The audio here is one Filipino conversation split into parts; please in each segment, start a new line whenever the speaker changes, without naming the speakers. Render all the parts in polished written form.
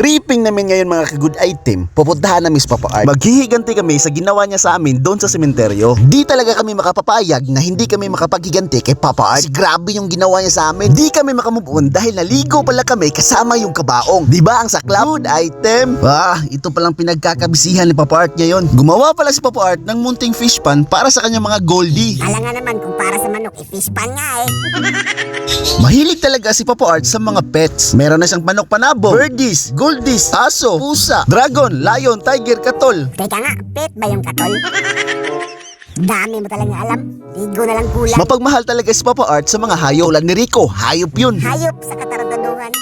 tripping namin ngayon mga ka-good item. Pupuntahan namin si Papa Art. Maghihiganti kami sa ginawa niya sa amin doon sa sementeryo. Di talaga kami makapapayag na hindi kami makapaghiganti kay Papa Art. Grabe yung ginawa niya sa amin. Di kami makamove on dahil naligo pala kami kasama yung kabaong. Di ba ang saklap? Good item. Ito palang pinagkakabisihan ni Papa Art ngayon. Gumawa pala si Papa Art ng munting fish pan para sa kanyang mga goldie.
Alam nga naman kung para sa manok, fish pan nga eh.
Mahilig talaga si Papa Art sa mga pets. Meron na siyang manok panabong, birdies, goldies, aso, pusa, dragon, lion, tiger, katol.
Teka nga, pet ba yung katol? Dami mo talaga alam. Ligo na lang kulang.
Mapagmahal talaga si Papa Art sa mga hayop. Tulad ni Rico, hayop yun.
Hayop sa katarantaduhan.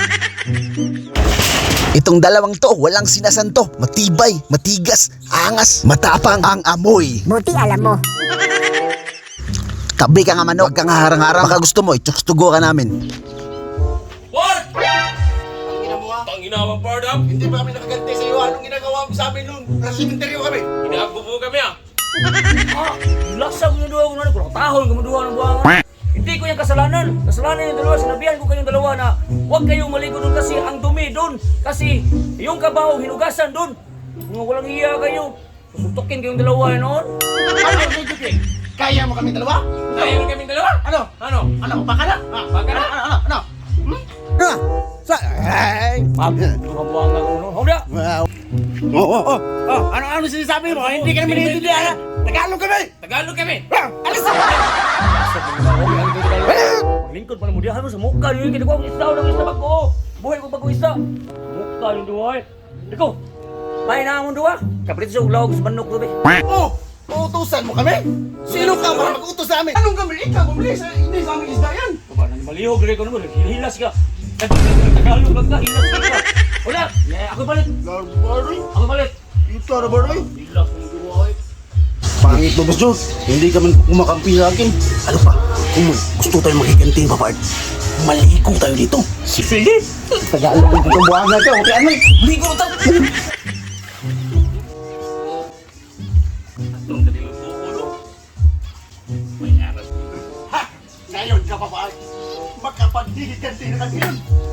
Itong dalawang to, walang sinasanto. Matibay, matigas, angas, matapang ang amoy.
Buti alam mo.
Tabi ka nga manok, huwag kang harang-harang. Baka gusto mo, itsustugo ka namin.
What? Tangina mo, Bard up?
Hindi ba kami nakaganti sa iyo? Anong ginagawa mo sa amin noon? Nasa sementeryo kami.
Inaagbubo kami ah.
Lasa ko yung duwa ko na ko. Tahol ko duwa ng buwangan. Hindi ko yung kasalanan. Kasalanan yung dalawa. Sinabihan ko kayong dalawa na huwag kayong maligo doon kasi ang dumi doon. Kasi yung kabaho hinugasan doon. Mga walang iya kayo. Susuntukin kayong dalawa noon.
Ano ang bibigay? Kaya mo kami dalawa?
Tayo na kaming dalawa.
Ano?
Ano?
Ano? Baka na?
Baka na?
Ano?
Buwangan ko noon. Hawda!
Ano sinasabi mo? Hindi ka naman naiintindihan ha? Tagalog kami!
Tagalog kami.
Alis!
Maglingkod pa na mo. Diyan mo sa mukha niyo. Hindi ko ang isda. Walang isda bago. Buhay ko bago isda. Mukha yung duwa eh. Iko! May na mong duwa. Kapalit sa ulaw sa manok ko.
Oh! Uutusan mo kami? Sino ka para mag-utos sa amin? Anong kami? Ikaw bumili sa hindi sa aming isda yan!
Malihog rin ko naman. Hilas ka. Tagalog lang ka. Hilas ka. Wala. Ako balit.
Larbaroy?
Ako balit.
Ito na baroy?
Hilas ng duwa eh.
Pangit mo, Boss Jones. Hindi ka man kumakampi sa akin. Ano pa? Kung gusto tayo magiganti, Papa Art, maligo tayo dito.
Sige.
Tagalog ng itong buwan natin. Okay, ano?
Ligo tayo.
Itong kanilang bukulo. May aras.
Ha! Ngayon ka, Papa Art. Makapaghihiganti na ka ngayon.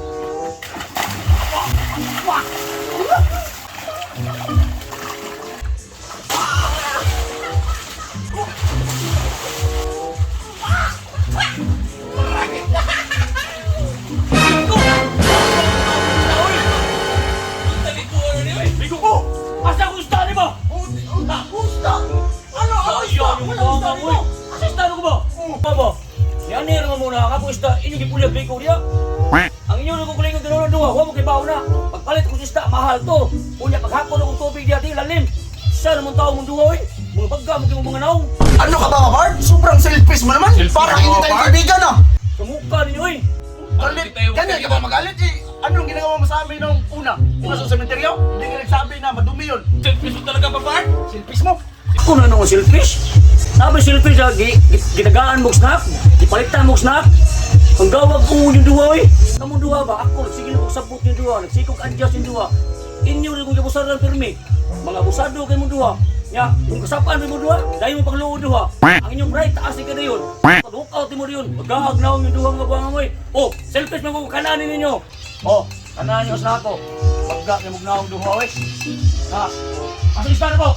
Ligo ko. Asa ko isda ni ba?
Gusto! Ano? Ano isda?
Ayaw yung
Wala
mga
isda
mo.
dito.
Asa isda ko ba? Ba? Yan nero mo muna ka po isda. Ini gipulyag ligo dia. Ang inyo nung kukuling ng dalawa duwa, huwag mo kay baon na. Pagpalit ko sa isda, mahal to. Unya paghapon akong tubig diya, di lalim. Sa naman tao mong duwa eh. Mga bagga mo kayo mga naong.
Ano ka ba, Papa Art? Sobrang selfish mo naman.
Selfish
Parang
ako,
hindi tayo
Papa Art.
kaibigan, ah.
Sa mukha ninyo eh.
Galit. Ganyan ka ba magalit eh? Anong ginagawa mo sa amin nung una? Una sa sementeryo? Hindi ka nagsabi na madumi yun.
Selfish mo talaga, Bard?
Selfish mo.
Ako na nung silfish. Sabi silfish ha, ginagaan mo snack, gipalitan mo snack. Ang gawag ko yung duwa eh. Kamong duwa ba? Ako, sige na kong sabot yung duwa. Nagsikog adjust yung duwa. Inyo rin kong kabusaran pirmi. Mga abusado kayo mong duwa. Ya, kung kasapaan mo duwa, dahil mo pagluod duwa. Ang inyong bright, taas ka na yun. Pag-walk out mo rin yun. Magkahagnaw yung duwa nga buwang mo eh. Oh, selfish mo kung kananin ninyo. Oh, kananin ko sa ako. Pagka kayo magnawang duwa eh. Ha? Asa isda na po?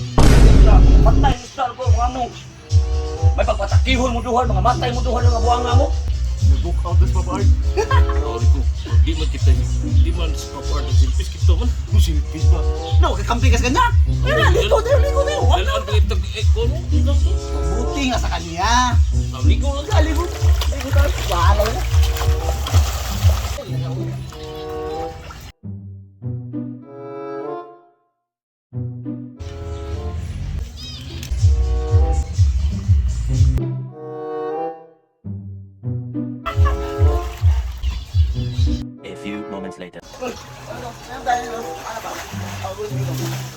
Matay mo isda po, mga mo. May pagpatakihon mo duha, mga matay mo duha ng buwang nga mo.
Book out this, Papa Art.
Sorry ko. Di man kita. Di man sa Bard ang selfish kita man.
Ano selfish ba? No, kakampi ka sa kanya. Ligo tayo.
Dalaan ka itag ekon.
Buti nga sa kanya.
Ligo lang.
Ligo tayo. Bahala na.
A few moments later.
Ano tayo? Ano ba?